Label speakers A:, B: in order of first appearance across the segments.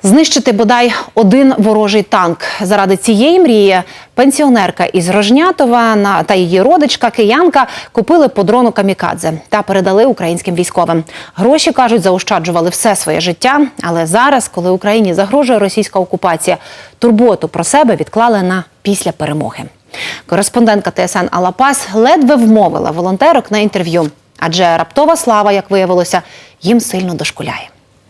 A: Знищити бодай один ворожий танк. Заради цієї мрії пенсіонерка із Рожнятова та її родичка, киянка, купили по дрону камікадзе та передали українським військовим. Гроші, кажуть, заощаджували все своє життя. Але зараз, коли Україні загрожує російська окупація, турботу про себе відклали на після перемоги. Кореспондентка ТСН Алла Пас ледве вмовила волонтерок на інтерв'ю. Адже раптова слава, як виявилося, їм сильно дошкуляє.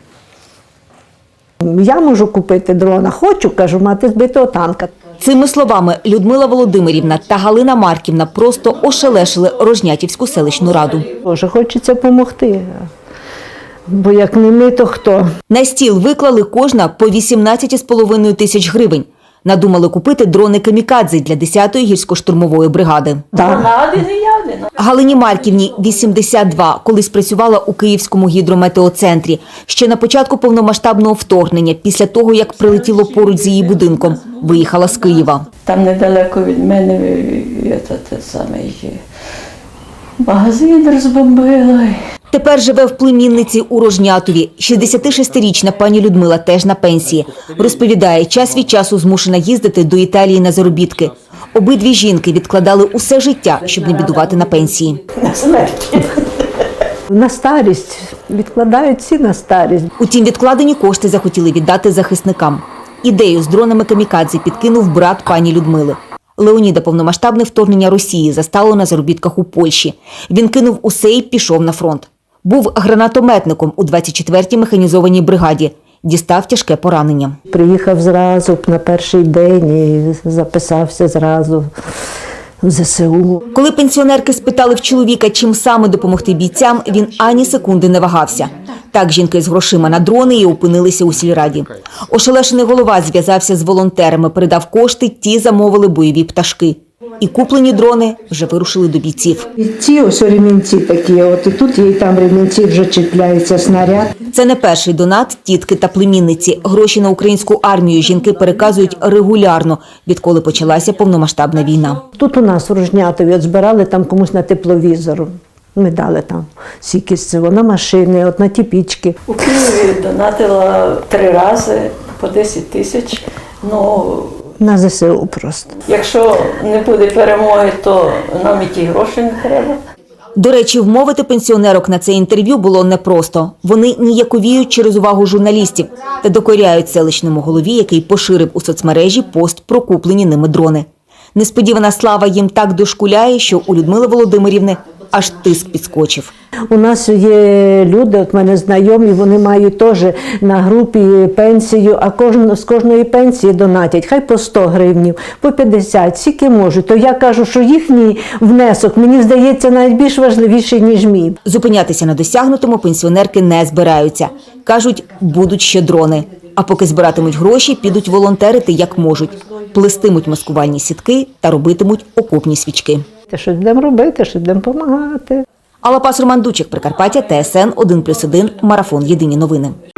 B: Я можу купити дрона, хочу, кажу, мати збитого танка.
C: Цими словами Людмила Володимирівна та Галина Марківна просто ошелешили Рожнятівську селищну раду.
B: Боже, хочеться допомогти, бо як не ми, то хто?
C: На стіл виклали кожна по 18,5 тисяч гривень. Надумали купити дрони камікадзе для 10-ї гірсько-штурмової бригади. Галині Марківні 82, колись працювала у Київському гідрометеоцентрі. Ще на початку повномасштабного вторгнення, після того, як прилетіло поруч з її будинком, виїхала з Києва.
D: Там недалеко від мене магазин розбомбили.
C: Тепер живе в племінниці у Рожнятові. 66-річна пані Людмила теж на пенсії. Розповідає, час від часу змушена їздити до Італії на заробітки. Обидві жінки відкладали усе життя, щоб не бідувати на пенсії.
B: На старість, відкладають всі на старість.
C: Утім, відкладені кошти захотіли віддати захисникам. Ідею з дронами камікадзе підкинув брат пані Людмили. Леоніда повномасштабне вторгнення Росії застало на заробітках у Польщі. Він кинув усе і пішов на фронт. Був гранатометником у 24-й механізованій бригаді. Дістав тяжке поранення.
B: Приїхав зразу на перший день і записався зразу в ЗСУ.
C: Коли пенсіонерки спитали в чоловіка, чим саме допомогти бійцям, він ані секунди не вагався. Так жінки з грошима на дрони і опинилися у сільраді. Ошелешений голова зв'язався з волонтерами, передав кошти, ті замовили бойові пташки. І куплені дрони вже вирушили до бійців.
B: І ці ось ремінці такі, от і тут, і там ремінці вже чіпляється снаряд.
C: Це не перший донат тітки та племінниці. Гроші на українську армію жінки переказують регулярно, відколи почалася повномасштабна війна.
B: Тут у нас в Рожнятові от збирали там комусь на тепловізор. Ми дали там стільки з цього, на машини, от на ті пічки.
D: У Києві донатила 3 рази по 10 тисяч.
B: На ЗСУ просто.
D: Якщо не буде перемоги, то нам і ті гроші не треба.
C: До речі, вмовити пенсіонерок на це інтерв'ю було непросто. Вони ніяковіють через увагу журналістів та докоряють селищному голові, який поширив у соцмережі пост про куплені ними дрони. Несподівана слава їм так дошкуляє, що у Людмили Володимирівни аж тиск підскочив.
B: У нас є люди, от мене знайомі, вони мають теж на групі пенсію, а з кожної пенсії донатять, хай по 100 гривнів, по 50, скільки можуть. То я кажу, що їхній внесок, мені здається, навіть більш важливіший, ніж мій.
C: Зупинятися на досягнутому пенсіонерки не збираються. Кажуть, будуть ще дрони. А поки збиратимуть гроші, підуть волонтерити як можуть. Плестимуть маскувальні сітки та робитимуть окопні свічки.
B: Що будемо робити, що будемо допомагати.
C: Алла Пас, Роман Дучик, Прикарпаття, ТСН 1+1, Марафон. Єдині новини.